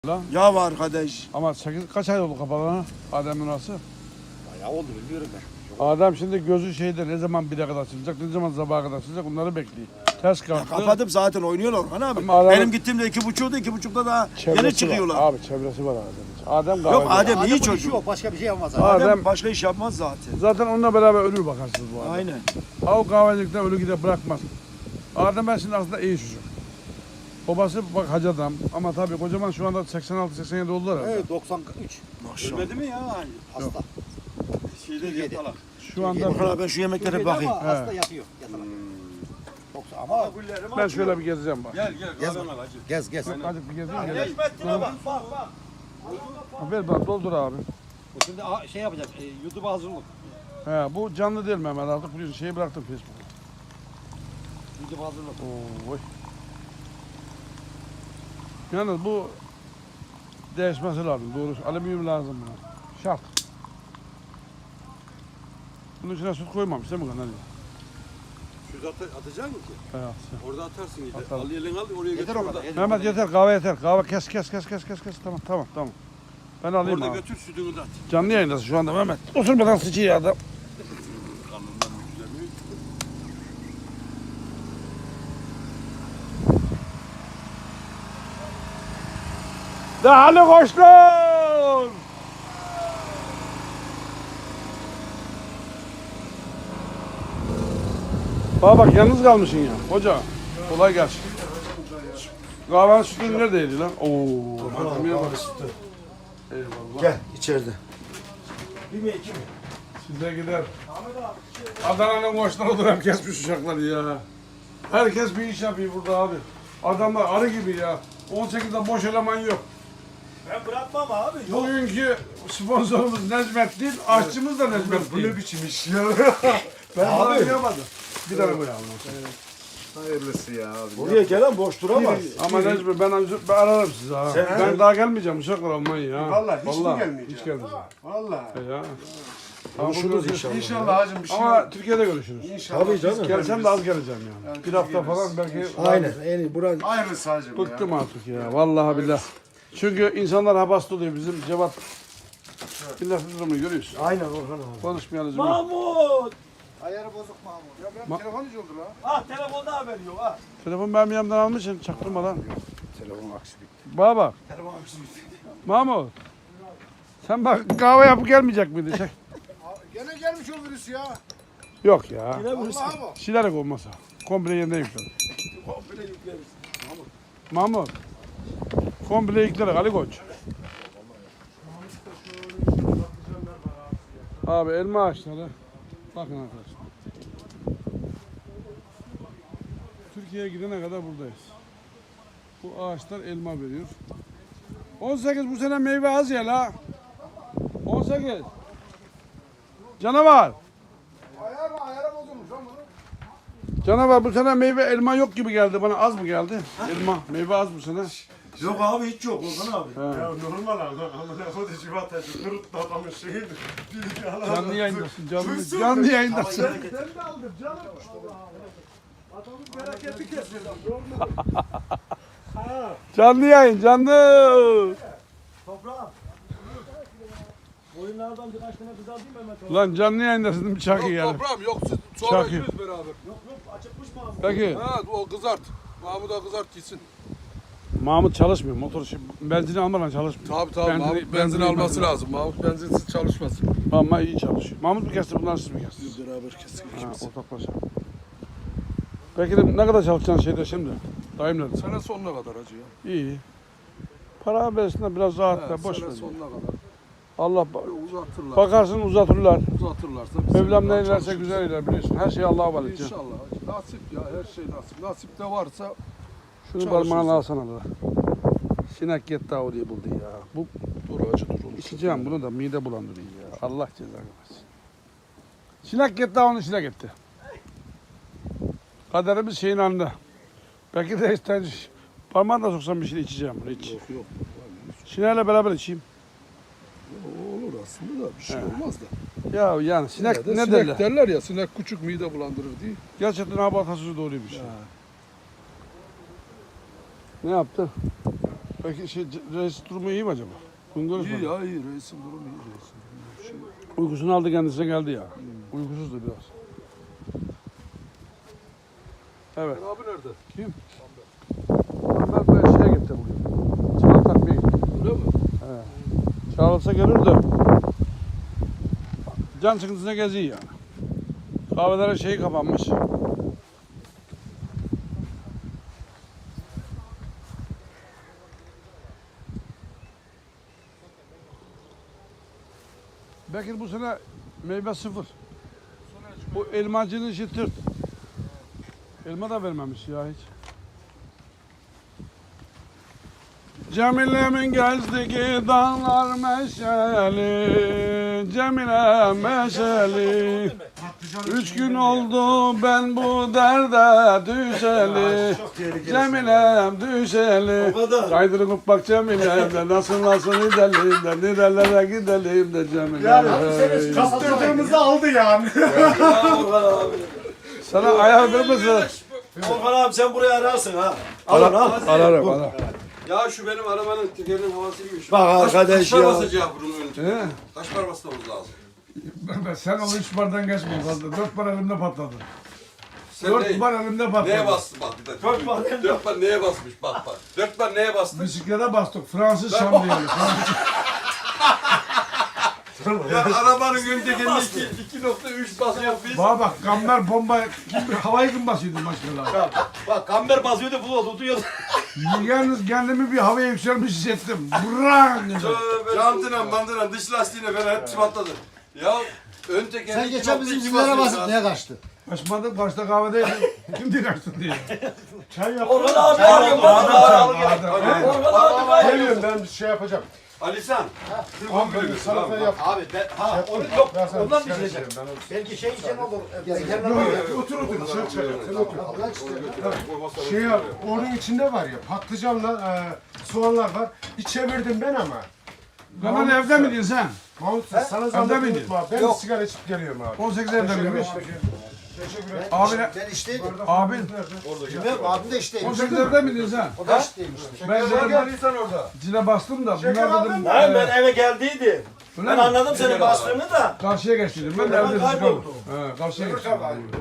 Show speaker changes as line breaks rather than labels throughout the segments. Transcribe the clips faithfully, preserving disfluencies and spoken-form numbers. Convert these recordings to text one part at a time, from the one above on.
Lan.
Ya var kardeş.
Ama sekiz kaç ay oldu kapalı Adem'in orası?
Bayağı oldu bilmiyorum ben.
Adem şimdi gözü şeyde ne zaman bire kadar açılacak, ne zaman sabaha kadar açılacak onları bekliyor. Ters kalktı.
Kapadım zaten oynuyorlar Orhan abi.
Ama adamın-
Benim gittiğimde iki buçukta iki buçukta daha
Çevresi
yeni çıkıyorlar.
Var. Abi çevresi var Adem'in. Adem
Yok
kahveci.
Adem iyi
Adem'in
çocuk.
işi yok, başka bir şey yapmaz.
Adem-
Adem.
Adem başka iş yapmaz zaten.
Zaten onunla beraber ölür bakarsınız bu Adem.
Aynen.
Ha o kahvecilikten ölü gider bırakmaz. Adem ben şimdi aslında iyi çocuk. Babası bak hacı adam ama tabii kocaman şu anda seksen altı seksen yedi oldular herhalde.
Evet doksan üç.
Maşallah.
Ölmedi mi ya?
Hasta.
Şeyde
Türkiye'de.
yatalak.
Şu anda
Orhan abi ben şu yemeklere bir bakayım.
Ama hasta yatıyor. Yatalak. doksan ama
ben şöyle bir gezeceğim bak.
Gel gel
Gez
kahvem al hacı.
gez gez.
Azıcık bir gezeyim. geleyim.
Geçmettiğine bak bak bak.
Ha, Ver bak doldur abi.
Şimdi a- şey yapacağız. E, YouTube'a hazırlık.
He, bu canlı değil Mehmet artık biliyorsun şeyi bıraktım Facebook'a.
YouTube'a hazırlık.
Oy. Yalnız bu değişmesi lazım doğrusu. Alüminyum lazım buna. Şart. Bunun içine süt koymamış değil mi kanal?
Şurada at atacak mısın ki?
Evet.
Orada atarsın yine.
Atarım.
Al elini al oraya
Yeter
götür
o
orada.
kadar. yeter o
Mehmet
kadar.
yeter kahve yeter. Kahve kes kes kes kes kes kes. Tamam tamam tamam. Ben alayım
Orada
abi.
götür sütünü de at.
Canlı yayındasın şu anda Mehmet. Oturmadan sıçıyor adam.
Kanından yükleniyor.
Değerli koçlar! Baba bak yalnız kalmışsın ya. Hoca kolay gelsin. Kahvenin sütü neredeydi lan? Oo. Malzemeye bak. Eyvallah.
Gel içeride.
Size gider. Adana'nın koçları da hep kesmiş uçakları ya. Herkes bir iş yapıyor burada abi. Adamlar arı gibi ya. on sekizde boş eleman yok.
Ben bırakmam abi.
Bugünkü sponsorumuz Necmettin, aşçımız da Necmettin. Bu ne biçim iş ya? ben
Abi.
abi yapmadım. Bir tane koyalım.
Hayırlısı ya abi.
Buraya gelen boş duramaz.
Ama Necmi ben, ben ararım sizi ha.
Sen-
ben daha gelmeyeceğim uçaklar olmayı ya.
Vallahi hiç mi gelmeyeceğim?
Hiç gelmeyeceğim.
Vallahi.
E ya.
Konuşuruz inşallah.
İnşallah hacım bir şey
Ama Türkiye'de görüşürüz.
İnşallah.
Tabii canım.
Gelsem de az geleceğim yani. Bir hafta falan belki.
Aynen. En iyi. Buran
Hayırlısı hacım ya.
Bıktım artık ya. Vallahi billahi. Çünkü insanlar habasta oluyor bizim Cevat. Milletin durumunu görüyorsun.
Aynen Orhan abi.
Konuşmayalım.
Mahmut!
Ayarı bozuk Mahmut.
Ya benim
Ma-
telefon hiç oldu la.
Ah,
Ha telefonda haberi yok ha.
Telefon benim yanımdan almışsın çaktırmadan.
Telefon aksi bitti.
Baba.
Telefon aksi bitti.
Mahmut. Sen bak kahve yapıp gelmeyecek miydin? Çek.
Gene gelmiş o virüs ya.
Yok ya.
Vallahi bu.
Silerek olmasa. Komple yeniden yükledim.
Komple yükleriz.
Mahmut. Komple yükledik Ali Koç. Abi elma ağaçları. Bakın arkadaşlar. Türkiye'ye gidene kadar buradayız. Bu ağaçlar elma veriyor. on sekiz bu sene meyve az ya la. on sekiz. Canavar.
Ayar mı? Ayara bozulmuş lan bunu.
Canavar bu sene meyve elma yok gibi geldi bana. Az mı geldi? Elma. Meyve az bu sene.
Yok abi hiç yok Orhan abi.
Ya normal abi. Ama ne kadar civatacı. Kırıt da adamın şeyini.
Canlı yayındasın. Canlı, canlı yayındasın.
Sen de aldın canım. Adamın bereketi kesiyor.
Canlı yayın canlı.
Toprağım. Oyunlardan birkaç tane kız alayım Mehmet.
Lan canlı yayındasın değil mi Çakı
Yok
yani?
toprağım yok siz sonra
Çakı.
yürüyüz beraber.
Yok yok açıkmış mı abi?
Peki.
Ha o kızart. Mahmut'a kızart gitsin.
Mahmut çalışmıyor. Motor işi, benzini almadan çalışmıyor.
Tabii tabii
Benzini-
Mahmut
benzini
benzin alması
alması
lazım. Mahmut benzinsiz çalışmasın.
Ama iyi çalışıyor. Mahmut mu kesti bunlar siz mi kestiniz?
Beraber kestik.
Ha, ortaklaşa. Peki de ne kadar çalışacaksın şeyde şimdi? Dayım dedi.
Sene sonuna kadar hacı ya.
İyi. Para versinler biraz rahat
He,
ver. Boş
sene
ver.
sonuna kadar.
Allah ba-
Uzatırlar.
bakarsın uzatırlar.
Uzatırlarsa. bir sene
Mevlam
daha
ne ilerse
çalışırız.
güzel iler biliyorsun. Her şey Allah'a emanet. canım.
İnşallah hacı. Nasip ya her şey nasip. Nasip de varsa
Şunu
Çalışırız.
parmağına alsana da. Sinek yetti diye buldu ya. Bu
dur hacı dur onu.
İçeceğim bunu da mide bulandırıyor ya. Allah cezanı versin. Sinek gitti onu sinek gitti. Kaderimiz şeyin anında. Belki de ister parmağını da soksam bir şey içeceğim bunu iç.
Yok yok.
Sineğiyle beraber içeyim.
Olur aslında da bir şey olmaz da.
Ya yani sinek
Yine de
ne
sinek
derler?
derler ya sinek küçük mide bulandırır diye.
Gerçekten abi atasözü doğruymuş. Ne yaptı? Peki şey, reis durumu iyi mi acaba? Bugün
İyi
görüşmedik.
ya iyi reisin durumu iyi reisin durumu. Şey,
Uykusunu aldı kendisine geldi ya. Uykusuzdu biraz. Evet.
abi nerede?
Kim? Onlar böyle şeye gitti bugün. Çağla takmaya gitti.
Öyle mi?
Çağrılsa gelir de can sıkıntısına geziyor yani. Kahvelerin şeyi kapanmış. Bekir bu sene meyve sıfır. Bu elmacının işi tırt. Elma da vermemiş ya hiç. Cemile'min gezdiği dağlar meşeli, Cemile meşeli. Üç gün oldu ben bu derde düşeli, Cemile'm düşeli. Kaydırıp bak Cemile'm de nasıl nasıl gidelim de nerelere gidelim de Cemile'm.
Kaptırdığımızı aldı yani.
Sana ayar vermesin.
Orhan abi sen burayı ararsın ha.
Ararım, ararım, ararım.
Ya şu benim arabanın tekerinin havası gibiymiş.
Bak arkadaş
Kaç para
ya.
basacak bunun önce?
He?
Kaç para basmamız lazım?
Ben, sen onu üç bardan geçmeyin fazla. Dört bar elimde patladı.
Sen
Dört
ne,
bar elimde patladı.
neye bastı bak bir dakika. Dört bar, Dört bar neye basmış bak bak. Dört bar neye bastı?
Bisiklete bastık. Fransız şamriyeli.
Ya arabanın ön tekerine iki, iki nokta üç basıyor biz.
Bana bak kamber bomba kim, havayı kim basıyordu maşallah.
Bak kamber basıyordu bu tutuyordu.
Yalnız kendimi bir havaya yükselmiş hissettim. Brrrr.
Jantına mandına dış lastiğine falan hepsi patladı. Ya ön tekerine
Sen
iki
geçen
nokta
bizim
iki
günlere
basıyor
basıp
ya.
niye kaçtı?
Kaçmadım. Başta kahvedeydim. Şimdi kaçtın diye.
Çay yap.
Orhan abi abi.
Geliyorum ben bir şey yapacağım.
Alisan.
Abi ben salata yap.
Abi ben ha onu yok
Ben sana
ondan
sigara
düşecek.
içeceğim, ben onu-
Belki şey için olur.
Otur otur dışarı çıkacağım. Sen otur. Şey yap, onun içinde var ya patlıcanla e, soğanlar var. Bir çevirdim ben ama.
Hemen evde mi diyorsun sen?
Mahmut sana
Evde
zahmet
miydin?
unutma. Ben
Yok.
sigara içip geliyorum abi.
on sekiz evde miymiş?
Teşekkür ederim.
Abi ne?
Ben işteydim.
Abin
Bilmiyorum abim de işteymiş.
on sekiz evde mi diyorsun sen?
O da işteymiş.
Ben
Sen
dedim
geldiysen orada.
zile bastım da bunlar dedim.
Lan
e,
ben eve geldiydim.
öyle
Ben
mi?
anladım senin bastığını da.
Karşıya geçtiydim. Ben de evde
kayboldu.
sıkıldım. He, karşıya geçtim.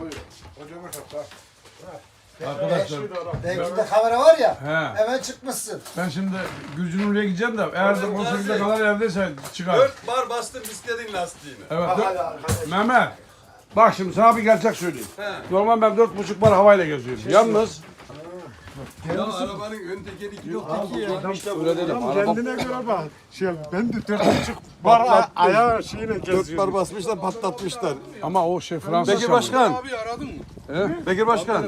Arkadaşlar
Belki de kamera var ya.
he,
Hemen çıkmışsın.
ben şimdi Gülcünürlü'ye gideceğim de eğer de on sekizde kadar evdeyse çıkar.
Dört bar bastın bisikletin lastiğini.
Evet. dört- Mehmet. Bak şimdi sana bir gerçek söyleyeyim.
He.
Normal ben dört buçuk bar havayla geziyorum. Yalnız
Ya arabanın ön tekeri iki nokta iki ya.
öyle dedim. Araba
Kendine göre bak. Şey, ben de dört buçuk var a- ayağı şeyine
Dört
geziyorum.
bar basmışlar patlatmışlar.
ama o şey Fransız
Bekir
şamı.
Başkan.
Abi aradın mı?
Bekir Başkan.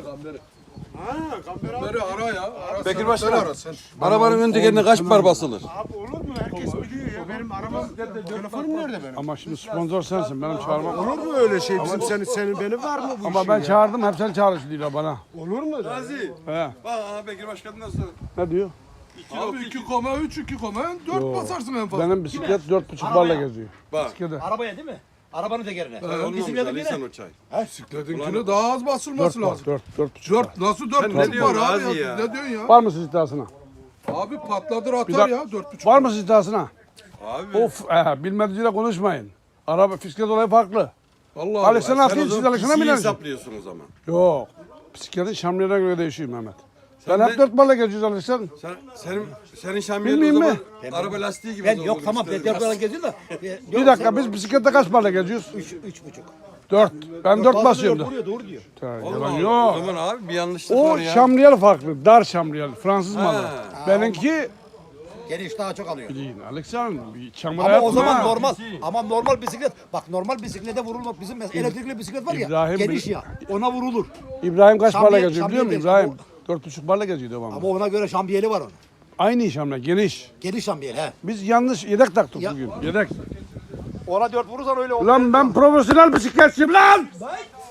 Beni ara ya. Ara
Bekir
sen,
Başkan.
sen ara sen.
Arabanın ön tekerine kaç bar basılır?
Abi olur mu? Herkes biliyor ya. Benim arabam, telefonum nerede benim?
Ama şimdi sponsor sensin. Benim çağırmam.
Olur mu öyle şey? Bizim senin, senin benim var mı bu
Ama
işin
ben
ya?
çağırdım. Hep sen çağrıştırıyorlar bana.
Olur mu?
Gazi.
He.
Bak aha Bekir Başkan nasıl?
Ne diyor?
iki
Abi
nokta
iki koma üç, iki koma dört
Yo.
basarsın en fazla.
Benim bisiklet dört buçuk barla geziyor.
Bak.
Bisiklete.
Arabaya değil mi? Arabanın tekerine.
Olmamış
Bisikletin
Alisan
yine.
o çay.
Bisikletinkine daha az basılması
Dört bar.
lazım.
Dört, dört buçuk bar.
Dört, nasıl dört
Sen ne
buçuk
diyorsun
var abi
Gazi
ya?
ya?
Ne diyorsun ya?
Var mısın iddiasına?
Abi patladır
Bir
atar
dakika.
ya dört buçuk.
Var mısın iddiasına?
Abi.
Of, e, bilmediğiyle konuşmayın. Araba bisiklet olayı farklı.
Allah
Ali sen
Sen o
atayım siz
zaman
alışına
pisiyi
binersin.
hesaplıyorsun o zaman.
Yok. Bisikletin şamriyene göre değişiyor Mehmet.
Sen
ben
de-
hep dört barla geziyoruz alışsan.
Sen, senin, senin şambiyenin o
Bilmeyeyim
zaman araba lastiği gibi.
Ben
o
yok
zaman
tamam ben
işte.
dört geziyorum da. e,
Bir
yok,
dakika biz bisiklette kaç barla geziyoruz?
Üç, üç buçuk.
Dört. Ben dört basıyorum da.
Doğru doğru diyor.
Yalan
O
yok.
zaman abi bir yanlışlık
O
var ya.
şamriyel farklı. Dar şamriyel. Fransız malı.
Ha.
Benimki
Geniş daha çok alıyor.
bilin Alexander bir çamura
Ama
yapma.
o zaman normal. Ama normal bisiklet. Bak normal bisiklete vurulmak. Bizim mesela elektrikli bisiklet var ya.
İbrahim
geniş
bil-
ya. Ona vurulur.
İbrahim kaç
Şamriyel-
barla geziyor biliyor musun
şamriyel
İbrahim?
geziyor.
Dört buçuk barla geziyor devamlı.
Ama ona göre şambiyeli var onun.
Aynı şamriyel geniş.
Geniş şambiyeli he.
Biz yanlış yedek taktık
Ya-
bugün. Yedek.
Ona dört vurursan öyle olur.
Ulan ben profesyonel bisikletçiyim lan.